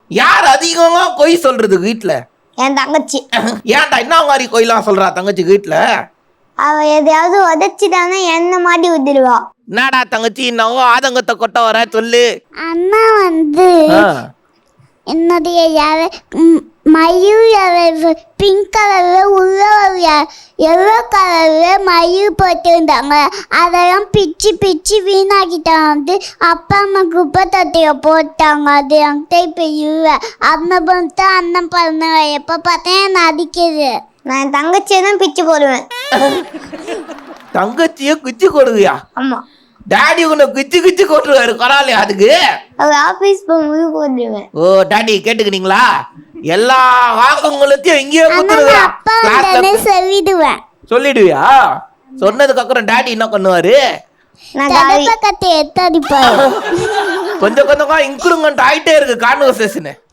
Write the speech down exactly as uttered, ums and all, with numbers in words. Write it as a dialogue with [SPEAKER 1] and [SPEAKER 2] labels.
[SPEAKER 1] யார் அதிகமா கொய் சொல்றது வீட்டுல?
[SPEAKER 2] என் தங்கச்சி.
[SPEAKER 1] ஏன்டா என்ன மாதிரி கொய்லாம் சொல்றா தங்கச்சி வீட்டுல?
[SPEAKER 2] அவ எதையாவது உதச்சிட்டானா என்ன மாட்டி ஊத்திடுவா.
[SPEAKER 1] என்னடா தங்கச்சி என்னவோ ஆதங்கத்தை கொட்ட வர சொல்லு.
[SPEAKER 3] அண்ணா வந்து என்னுடைய யார மயூர் பிங்க் கலர்ல உள்ள எல்லோ கலர்ல மயூர் போட்டிருந்தாங்க. அதெல்லாம் பிச்சு பிச்சு வீணாக்கிட்டாங்க. வந்து அப்பா அம்மா குப்பை தொட்டியை போட்டாங்க. அது என்கிட்ட இப்போ இல்லை. அண்ணன் பண்ணிட்டு அண்ணன் பண்ணுங்க. எப்போ பார்த்தேன் என்ன அடிக்குது.
[SPEAKER 2] நான் என் தங்கச்சியை தான் பிச்சு போடுவேன்.
[SPEAKER 1] தங்கச்சிய குச்சி கொடுவியா?
[SPEAKER 2] ஆமா.
[SPEAKER 1] டாடி உன்னை குச்சி குச்சி கொட்டுருவாரு கொடாலே அதுக்கு.
[SPEAKER 2] அது ஆபீஸ் போகும்போது போட்டுருவேன்.
[SPEAKER 1] ஓ டாடி கேட்டுக்கிட்டீங்களா? எல்லா வாக்குங்களையும் இங்கேயே
[SPEAKER 3] சொல்லிடுவேன்.
[SPEAKER 1] சொல்லிடுவியா? சொன்னதுக்கு அப்புறம் டாடி என்ன பண்ணுவாரு?
[SPEAKER 3] எடுத்து அடிப்பாரு.
[SPEAKER 1] கொஞ்சம் கொஞ்சம் இன்க்ரூமெண்ட் ஆயிட்டே இருக்கு கான்வர்சேஷன்.